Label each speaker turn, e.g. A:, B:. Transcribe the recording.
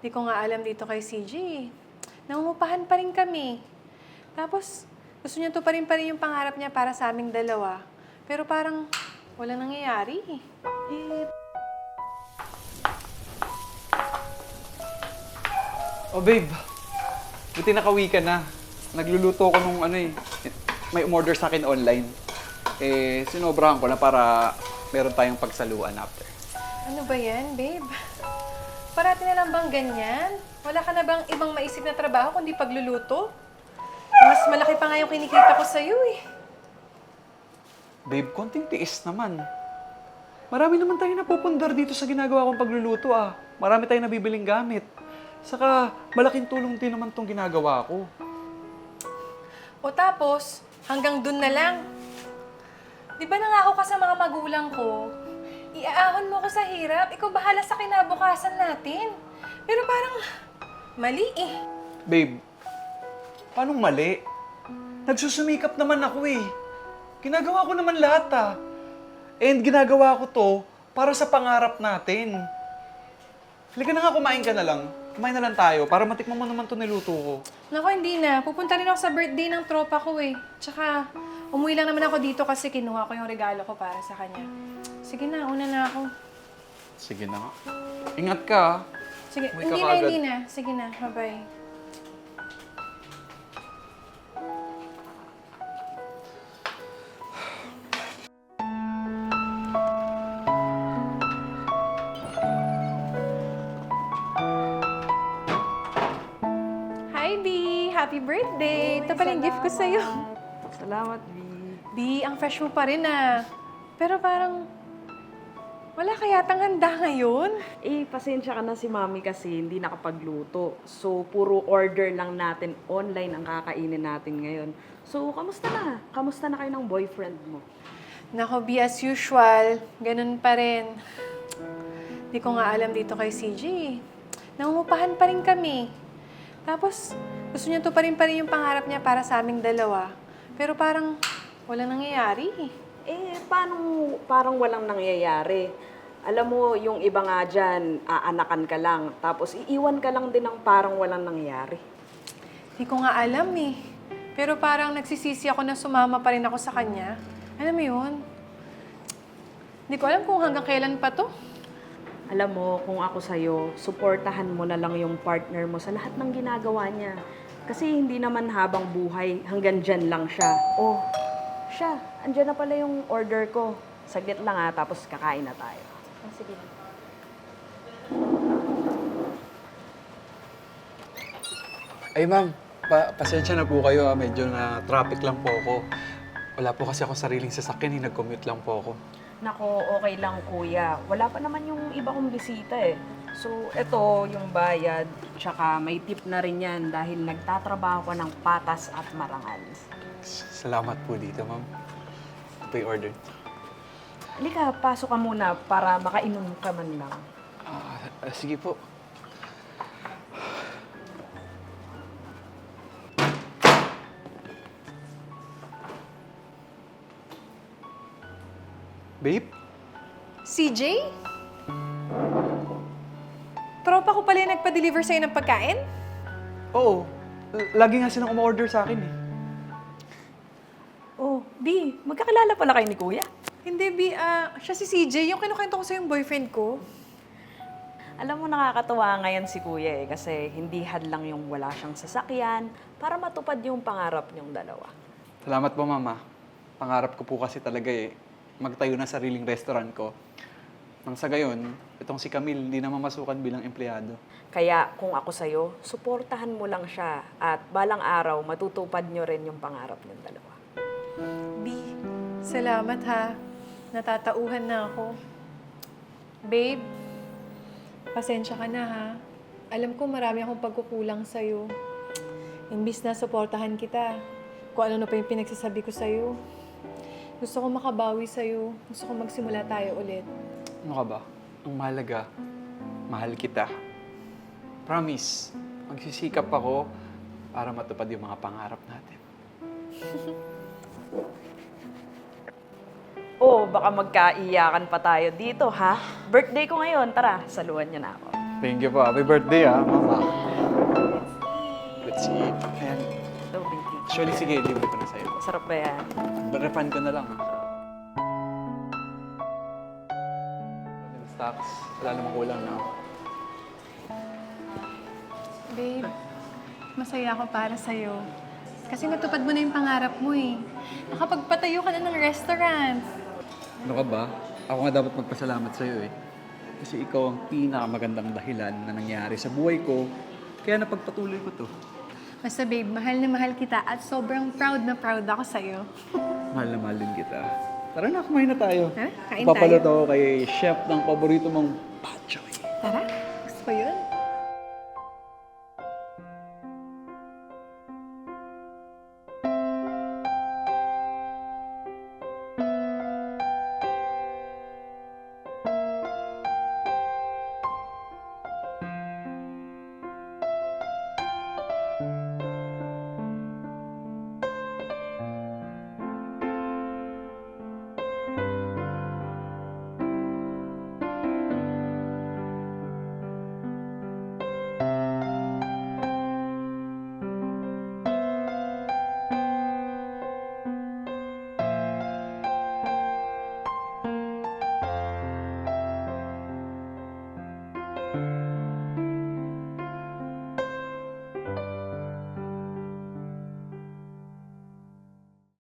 A: Di ko nga alam dito kay CJ. Nangungupahan pa rin kami. Tapos, gusto niya to pa rin yung pangarap niya para sa aming dalawa. Pero parang walang nangyayari.
B: Oh babe, buti nakauwi ka na. Nagluluto ko nung may umorder sa akin online. Sinobrahan ko na para meron tayong pagsaluan after.
A: Ano ba yan, babe? Parati na lang bang ganyan? Wala ka na bang ibang maisip na trabaho kundi pagluluto? Mas malaki pa nga yung kinikita ko sa'yo eh.
B: Babe, konting tiis naman. Marami naman tayong napupundar dito sa ginagawa kong pagluluto ah. Marami tayong nabibiling gamit. Saka, malaking tulong din naman tong ginagawa ko.
A: O tapos, hanggang dun na lang. Di ba nangako ka sa mga magulang ko? Iaahon mo ko sa hirap, ikaw bahala sa kinabukasan natin. Pero parang, mali eh.
B: Babe, paanong mali? Nagsusumikap naman ako eh. Ginagawa ko naman lahat ah. And ginagawa ko to para sa pangarap natin. Halika na nga, kumain ka na lang. Kumain na lang tayo para matikman mo naman to niluto ko.
A: Naku, hindi na. Pupunta rin ako sa birthday ng tropa ko eh. Tsaka, umuwi lang naman ako dito kasi kinuha ko yung regalo ko para sa kanya. Sige na, una na ako.
B: Sige na nga. Ingat ka ah.
A: Sige,
B: Umuwi ka kaagad.
A: hindi na. Sige na, bye-bye. Hi, B! Happy birthday! Ito pala yung gift ko sa'yo.
C: Salamat, V.
A: B, ang fresh mo pa rin ah. Pero parang, wala ka yatang handa ngayon.
C: Pasensya ka na si Mami kasi hindi nakapagluto. So, puro order lang natin online ang kakainin natin ngayon. So, kamusta na? Kamusta na kayo ng boyfriend mo?
A: Nako, B, as usual, ganun pa rin. Di ko nga alam dito kay CJ. Nangungupahan pa rin kami. Tapos, gusto niya to pa rin yung pangarap niya para sa aming dalawa. Pero parang, walang nangyayari.
C: Paano parang walang nangyayari? Alam mo, yung iba nga dyan, aanakan ka lang. Tapos, iiwan ka lang din ng parang walang nangyayari.
A: Di ko nga alam eh. Pero parang nagsisisi ako na sumama pa rin ako sa kanya. Alam mo yun? Di ko alam kung hanggang kailan pa to.
C: Alam mo, kung ako sa'yo, suportahan mo na lang yung partner mo sa lahat ng ginagawa niya. Kasi hindi naman habang buhay, hanggang dyan lang siya. Oh, siya, andyan na pala yung order ko. Saglit lang tapos kakain na tayo.
A: Sige na.
B: Ay ma'am, pasensya na po kayo ah. Medyo na traffic lang po ako. Wala po kasi ako sariling sasakyan eh. Nag-commute lang po ako.
C: Nako, okay lang kuya. Wala pa naman yung iba kong bisita eh. So, eto yung bayad, tsaka may tip na rin yan dahil nagtatrabaho ko ng patas at marangal.
B: Salamat po dito ma'am. Ito yung order.
C: Halika, pasok ka muna para makainom ka man lang.
B: Sige po. Babe?
A: CJ? Tropa ko pala yung nagpa-deliver sa'yo ng pagkain?
B: Oo. Lagi nga silang umorder sa akin eh.
C: Oh, B, magkakilala pala kayo ni kuya?
A: Hindi, B. Siya si CJ. Yung kinukwento ko sa'yo yung boyfriend ko.
C: Alam mo, nakakatuwa ngayon si kuya kasi hindi hadlang yung wala siyang sasakyan para matupad yung pangarap niyong dalawa.
B: Salamat po mama. Pangarap ko po kasi talaga magtayo na sariling restaurant ko. Nang sa gayon, itong si Camille hindi na mamasukan bilang empleyado.
C: Kaya kung ako sa'yo, suportahan mo lang siya at balang araw matutupad niyo rin yung pangarap niyong dalawa.
A: B, salamat ha. Natatauhan na ako. Babe, pasensya ka na ha. Alam ko marami akong pagkukulang sa'yo. Imbis na suportahan kita, kung ano na pa yung pinagsasabi ko sa'yo. Gusto ko makabawi sa'yo. Gusto ko magsimula tayo ulit.
B: Ano ka ba? Ang mahalaga, mahal kita. Promise, magsisikap ako para matupad yung mga pangarap natin.
C: Oh, baka magkaiyakan pa tayo dito, ha? Birthday ko ngayon. Tara, saluhan niyo na ako.
B: Thank you po. Happy birthday Mama. Let's eat. Ayan.
C: Ito, baby.
B: Actually, sige, libre ko na sa'yo.
C: Sarap ba yan?
B: Refund ko na lang. Stocks. Wala namang kulang na.
A: Babe, masaya ako para sa'yo. Kasi natupad mo na yung pangarap mo eh. Nakapagpatayo ka na ng restaurant.
B: Ano ka ba? Ako nga dapat magpasalamat sa'yo eh. Kasi ikaw ang pinakamagandang dahilan na nangyari sa buhay ko. Kaya napagpatuloy ko to.
A: Basta babe, mahal na mahal kita at sobrang proud na proud ako sa'yo.
B: Mahal na mahal din kita. Tara na, kumain na tayo.
A: Ha? Kain
B: Papaluto
A: tayo?
B: ako kay chef ng paborito mong pad choy.
A: Tara, gusto ko yun.